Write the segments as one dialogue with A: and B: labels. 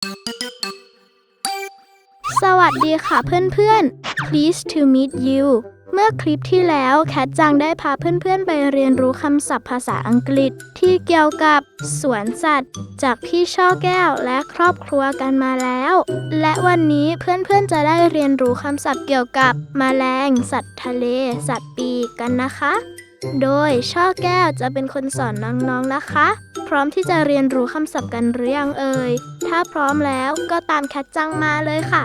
A: สวัสดีค่ะเพื่อนๆ Pleased to meet you เมื่อคลิปที่แล้วแคทจังได้พาเพื่อนๆไปเรียนรู้คำศัพท์ภาษาอังกฤษที่เกี่ยวกับสวนสัตว์จากพี่ช่อแก้วและครอบครัวกันมาแล้ว และวันนี้เพื่อนๆจะได้เรียนรู้คำศัพท์เกี่ยวกับแมลงสัตว์ทะเลสัตว์ปีกกันนะคะ โดยช่อแก้วจะเป็นคนสอนน้องๆนะคะ พร้อมที่จะเรียนรู้คำศัพท์กันหรือยังเอ่ยถ้าพร้อมแล้วก็ตามแคทจังมาเลยค่ะ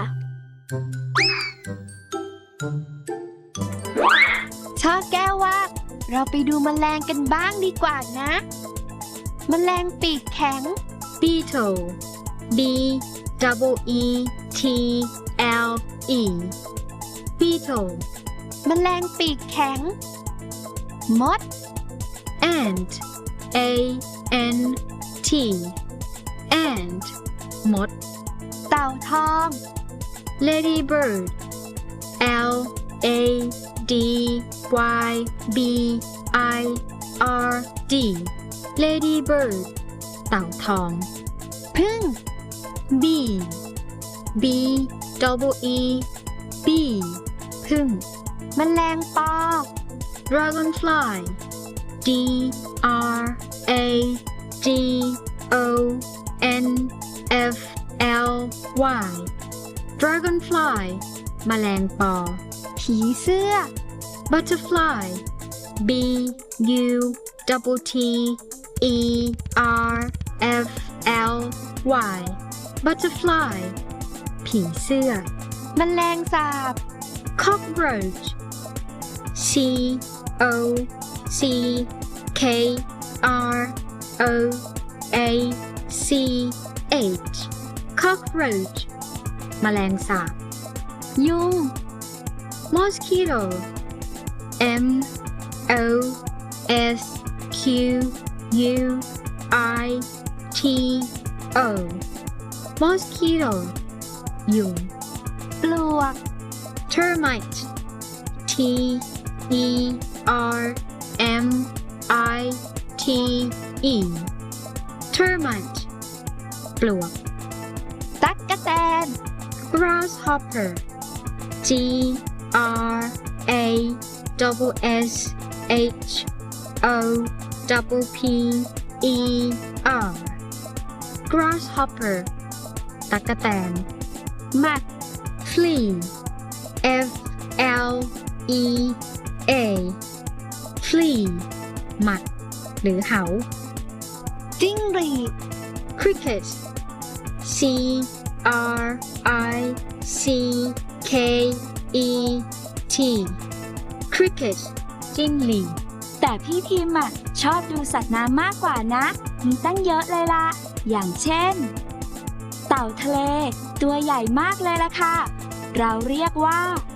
B: ช่อแก้วว่าเราไปดูแมลงกันบ้างดีกว่านะแมลงปีกแข็ง
C: Beetle B double E T L E Beetle
B: แมลงปีกแข็งมด
C: Ant A N T Ant มด
B: เต่าทอง
C: Ladybird L A D Y B I R D Ladybird เต่าทอง
B: ผึ้ง
C: Bee B double E B ผึ้ง
B: แมลงปอ
C: Dragonfly D R A G O N F L Y Dragonfly แมลงปอ
B: ผีเสื้อ
C: Butterfly B U double T E R F L Y Butterfly ผีเสื้อ
B: แมลงสาบ
C: Cockroach C O C K R O A C H Cockroach แมลงสาบ
B: ยุง
C: Mosquito M O S Q U I T O Mosquito ยุง
B: ปลวก
C: Termite T E R M I T E Termite ปลวก
B: ตั๊กแตน
C: Grasshopper G R A double S H O double P E R Grasshopper ตั๊กแตน
B: หมัด
C: Flea F L E A Flea หมัดหรือเหา
B: จิ้งหรีด
C: Cricket C R I C K E T Cricket จิ้งหรีด
B: แต่พี่ทีมชอบดูสัตว์น้ำมากกว่านะ มีตั้งเยอะเลยล่ะ อย่างเช่น เต่าทะเลตัวใหญ่มากเลยล่ะค่ะ เราเรียกว่า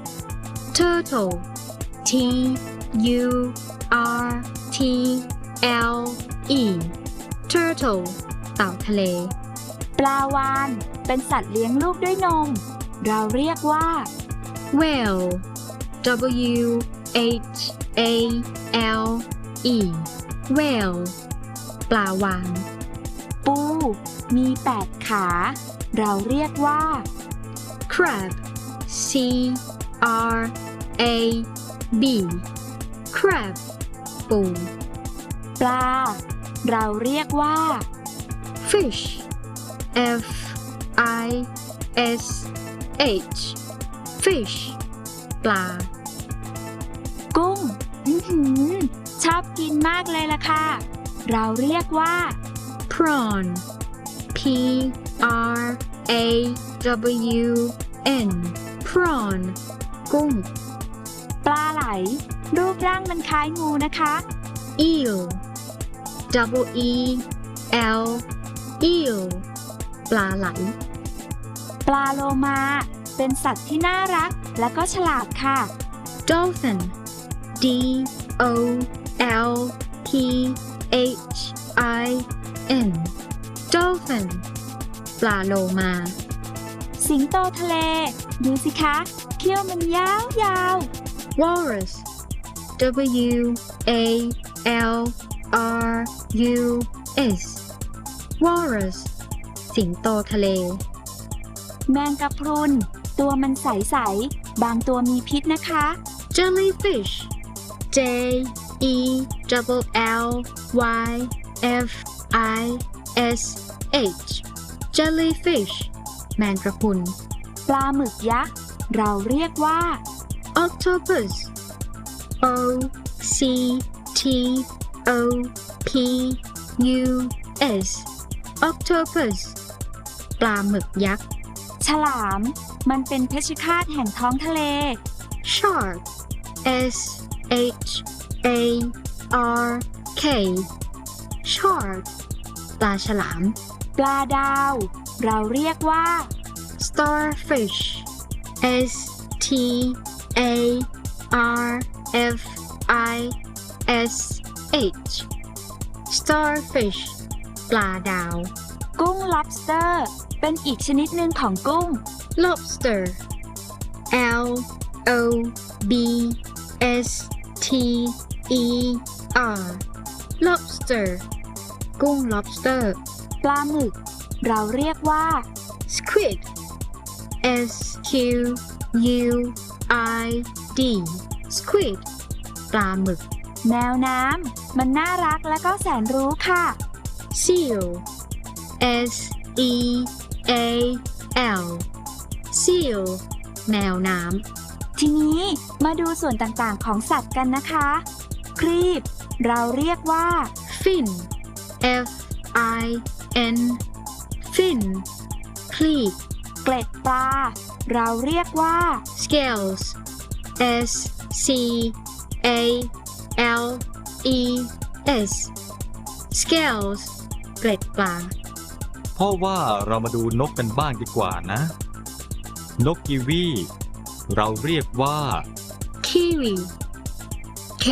C: Turtle T U R T L E Turtle เต่าทะเล
B: ปลาวาฬเป็นสัตว์เลี้ยงลูกด้วยนม เราเรียกว่า
C: Whale W H A L E Whale ปลาวาฬ
B: ปูมี8 ขา เราเรียกว่า
C: Crab C R A B Crab ปู
B: ปลา เราเรียกว่า
C: Fish F I S H Fish ปลา
B: กุ้งชอบกินมากเลยล่ะค่ะ เราเรียกว่า
C: Prawn P R A W N Prawn กุ้ง
B: ปลาไหล รูปร่างมันคล้ายงูนะคะ
C: Eel double E L Eel ปลาไหล
B: ปลาโลมาเป็นสัตว์ที่น่ารักและก็ฉลาดค่ะ
C: Dolphin D O L P H I N Dolphin ปลาโลมา
B: สิงโตทะเล ดูสิคะเขี้ยวมันยาว
C: Walrus W A L R U S Walrus สิงโตทะเล
B: แมงกะพรุนตัวมันใสๆบางตัวมีพิษนะคะ
C: Jellyfish. J E L L Y F I S H. Jellyfish. แมงกะพรุน
B: ปลาหมึกยักษ์เราเรียกว่า
C: Octopus. O C T O P U S. Octopus. ปลาหมึกยักษ์
B: ฉลามมันเป็นเพชฌฆาตแห่งท้องทะเล
C: Shark. S H A R K. Shark. ปลาฉลาม
B: ปลาดาวเราเรียกว่า
C: Starfish. S T A R F I S H. Starfish. ปลาดาว
B: กุ้ง lobster เป็นอีกชนิดหนึ่งของกุ้ง
C: Lobster. L O B S T E R. Lobster. กุ้ง lobster.
B: ปลาหมึกเราเรียกว่า
C: Squid. S Q U I D. Squid. ปลาหมึก
B: แมวน้ำมันน่ารักและก็แสนรู้ค่ะ
C: Seal. S E A L. Seal. แมวน้
B: ทีนี้มาดูส่วนต่างๆของสัตว์กันนะคะ ครีบเราเรียกว่า
C: ำ Fin. F I N. Fin. คลีบ
B: เกล็ดปลาเราเรียกว่า
C: Scales. S C A L E S. Scales. เกล็ดปลา
D: เพราะว่าเรามาดูนกกันบ้างดีกว่านะ นกกีวีเราเรียกว่า
C: Kiwi. K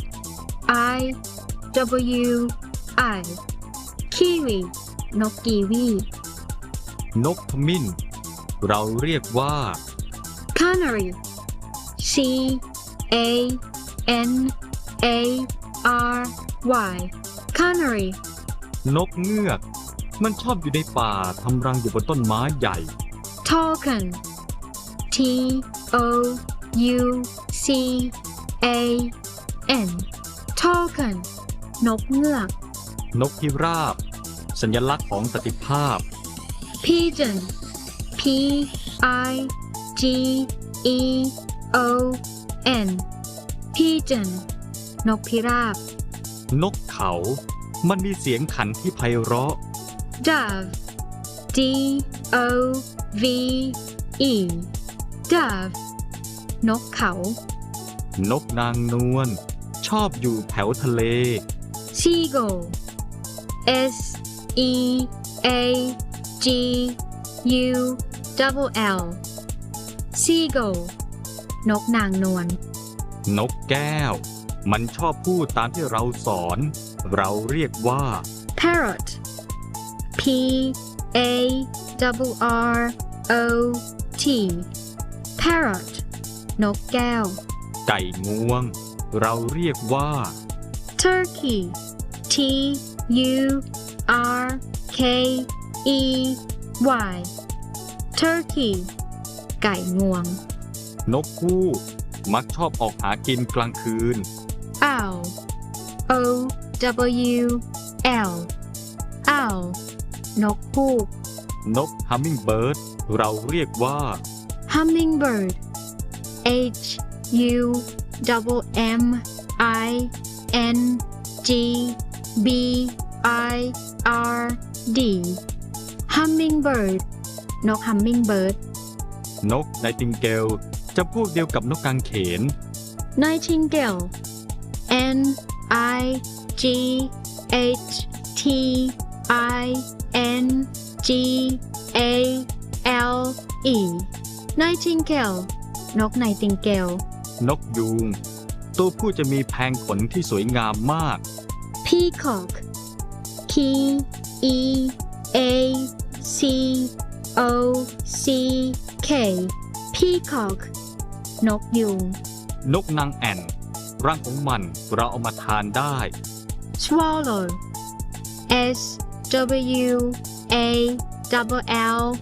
C: I W I. Kiwi. นกกีวี
D: นกขมิ้นเราเรียกว่า
C: Canary. C A N A R Y. Canary.
D: นกเงือกมันชอบอยู่ในป่าทำรังอยู่บนต้นไม้ใหญ่
C: Toucan. T O U C A N. Toucan. นกเงือก
D: นกพิราบสัญลักษณ์ของสันติภาพ
C: Pigeon. P I G E O N. Pigeon. นกพิราบ
D: นกเขามันมีเสียงขันที่ไพเราะ
C: Dove. D O V E. Dove. นกเขา
D: นกนางนวลชอบอยู่แถวทะเล
C: Seagull. S E A G U L. Seagull. นกนางนวล
D: นกแก้วมันชอบพูดตามที่เราสอน เราเรียกว่า
C: Parrot. P A R O T. Parrot. นกแก้ว
D: ไก่งวงเราเรียกว่า
C: Turkey. T U R K E Y. Turkey. ไก่งวง
D: นกฮูกมักชอบออกหากินกลางคืน
C: Owl. O W L. Owl. นกฮูก
D: นกฮัมมิงเบิร์ดเราเรียกว่า
C: Hummingbird. H U M I N G B I R D. Hummingbird. นก Hummingbird.
D: นกไนติงเกลจะพวกเดียวกับนกกางเขน
C: Nightingale. N I G H T I N G A L E. Nightingale. นก Nightingale.
D: นกยูงตัวผู้จะมีแผงขนที่สวยงามมาก
C: Peacock. P E A C O C K. Peacock. นกยูง
D: นกนางแอ่นรังของมันเราเอามาทานได้
C: Swallow. S W A L L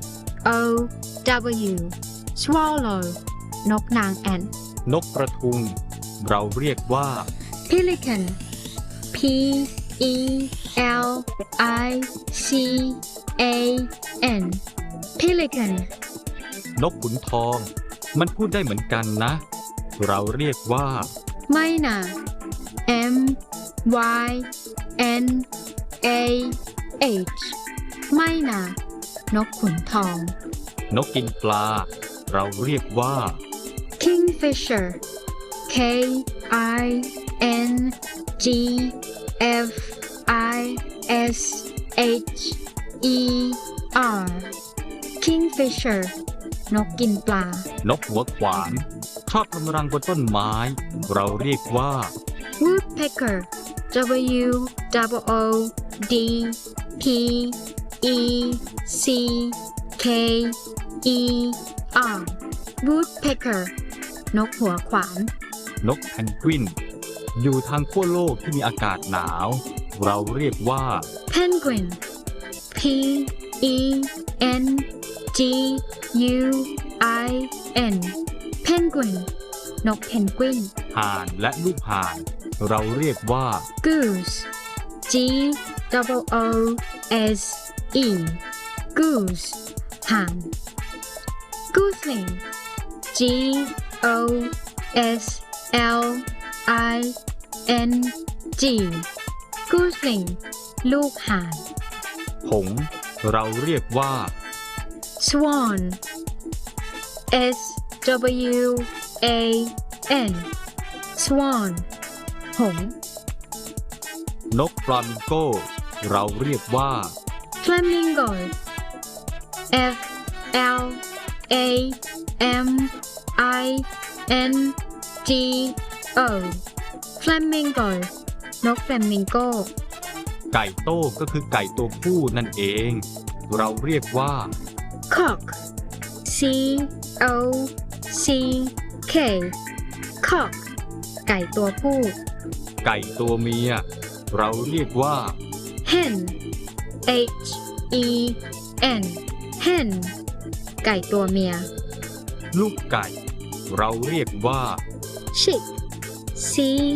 C: O W swallow นกนางแอ่น
D: นกกระทุง เราเรียกว่า
C: Pelican P E L I C A N Pelican
D: นกขุนทอง มันพูดได้เหมือนกันนะ เราเรียกว่า
C: ไม่นะ M Y N A H ไม่นะนกขุนทอง
D: นกกินปลา เราเรียกว่า
C: Kingfisher K I N G F I S H E R Kingfisher นกกินปลา
D: นกหัวขวาน ชอบทำรังบนต้นไม้ เราเรียกว่า
C: Woodpecker W O D P E C K E R Woodpecker นกหัวขวาน
D: นกแพนกวิน อยู่ทางขั้วโลกที่มีอากาศหนาว เราเรียกว่า
C: Penguin P E N G U I N Penguin นกเพนกวิน
D: ห่านและลูกห่าน เราเรียกว่า
C: Goose G O S E Goose ห่าน Goosling G O S L I N G Goosling ลูกห่าน
D: หงส์เราเรียกว่า
C: Swan S W A N Swan หงส์
D: นกฟลามิงโก เราเรียกว่า
C: Flamingo F L A M I N G O Flamingo นก Flamingo
D: ไก่โต้ก็คือไก่ตัวผู้นั่นเอง เราเรียกว่า
C: Cock C O C K Cock ไก่ตัวผู้
D: ไก่ตัวเมีย เราเรียกว่า
C: Hen H E N Hen ไก่ตัวเมีย
D: ลูกไก่ เราเรียกว่า
C: Chick C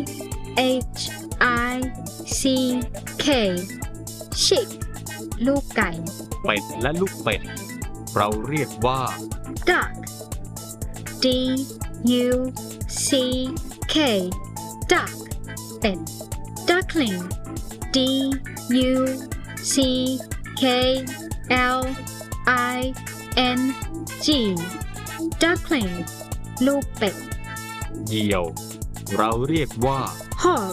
C: H I C K Chick ลูกไก่
D: เป็ดและลูกเป็ด เราเรียกว่า
C: Duck D U C K Duck เป็ด Duckling D U C K L I N G Duckling ลูกเป็ด
D: เหยี่ยว เราเรียกว่า
C: Hog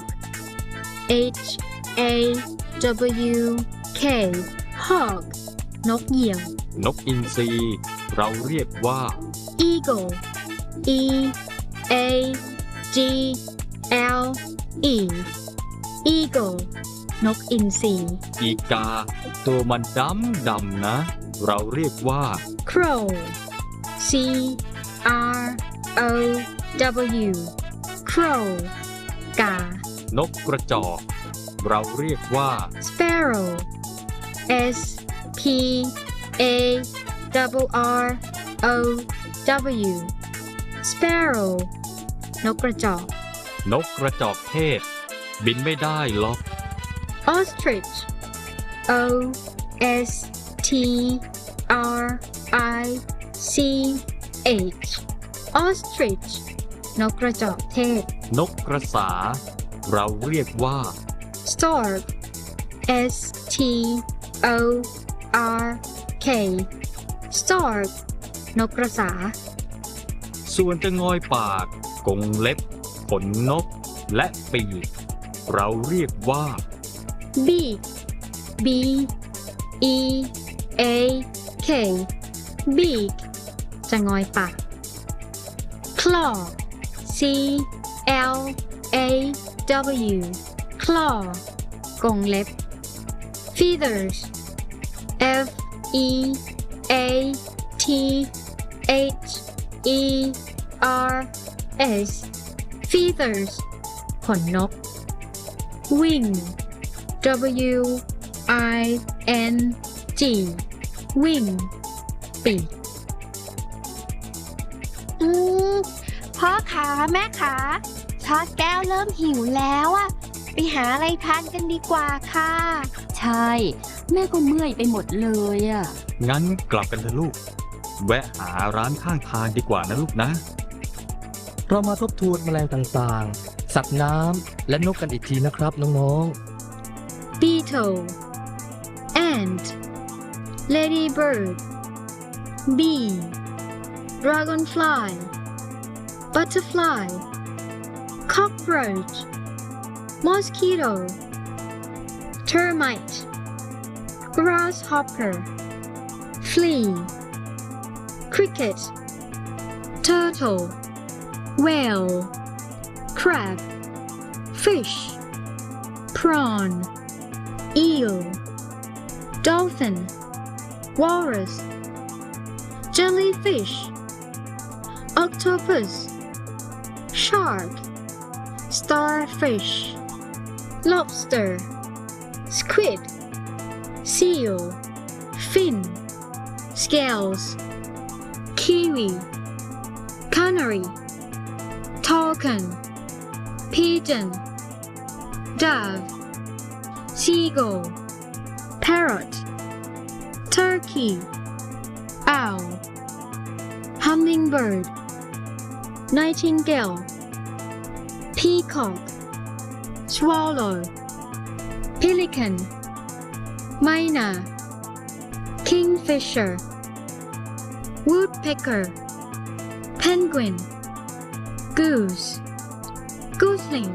C: H A W K Hog นกเหยี่ยว
D: นกอินทรี เราเรียกว่า
C: Eagle E A G L E Eagle นกอินทรี
D: อีกา ตัวมันดำนะ เราเรียกว่า
C: Crow C R O W Crow กา
D: นกกระจอก เราเรียกว่า
C: Sparrow S P A R O W Sparrow นกกระจอก
D: นกกระจอกเทศ บินไม่ได้หรอก
C: Ostrich O S T R I C H Ostrich นกกระจอกเทศ
D: นกกระสา เราเรียกว่า
C: Stork S T O R K Stork นกกระสา
D: ส่วนจะงอยปาก กรงเล็บ ขนนก และปีก เราเรียกว่า
C: Beak B E A K Beak จะงอยปาก Claw C L A W Claw กรงเล็บ Feathers F E A T H E R S Feathers ขนนก Wing W I N G Wing ปีก
E: พ่อขาแม่ขาชอดแก้วเริ่มหิวแล้วอะไปหาอะไรทานกันดีกว่าค่ะ
B: ใช่ แม่ก็เมื่อยไปหมดเลยอะ
D: งั้นกลับกันเถอะลูก แวะหาร้านข้างทางดีกว่านะลูกนะ
F: เรามาทบทวนแมลงต่างๆ สัตว์น้ำและนกกันอีกทีนะครับน้องๆ
C: beetle ant ladybird bee dragonfly butterfly cockroach mosquito termite grasshopper flea cricket turtle whale crab fish prawn eel dolphin walrus jellyfish octopus shark starfish lobster squid seal fin scales kiwi canary toucan pigeon dove seagull parrot turkey owl hummingbird nightingale peacock swallow pelican myna kingfisher woodpecker penguin goose gosling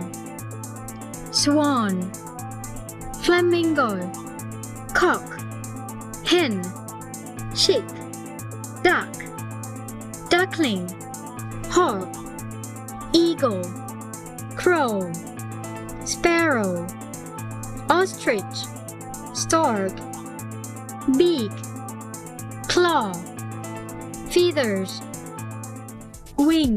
C: swan flamingo cock hen chick duck duckling hawk eagle crow sparrow ostrich stork beak claw feathers wing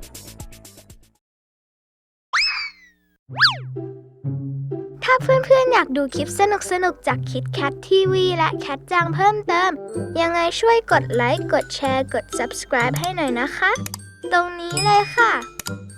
A: ถ้าเพื่อนๆอยากดูคลิปสนุกๆจากคิดแคททีวีและแคทจังเพิ่มเติม ยังไงช่วยกดไลค์ กดแชร์ กด subscribe ให้หน่อยนะคะ ตรงนี้เลยค่ะ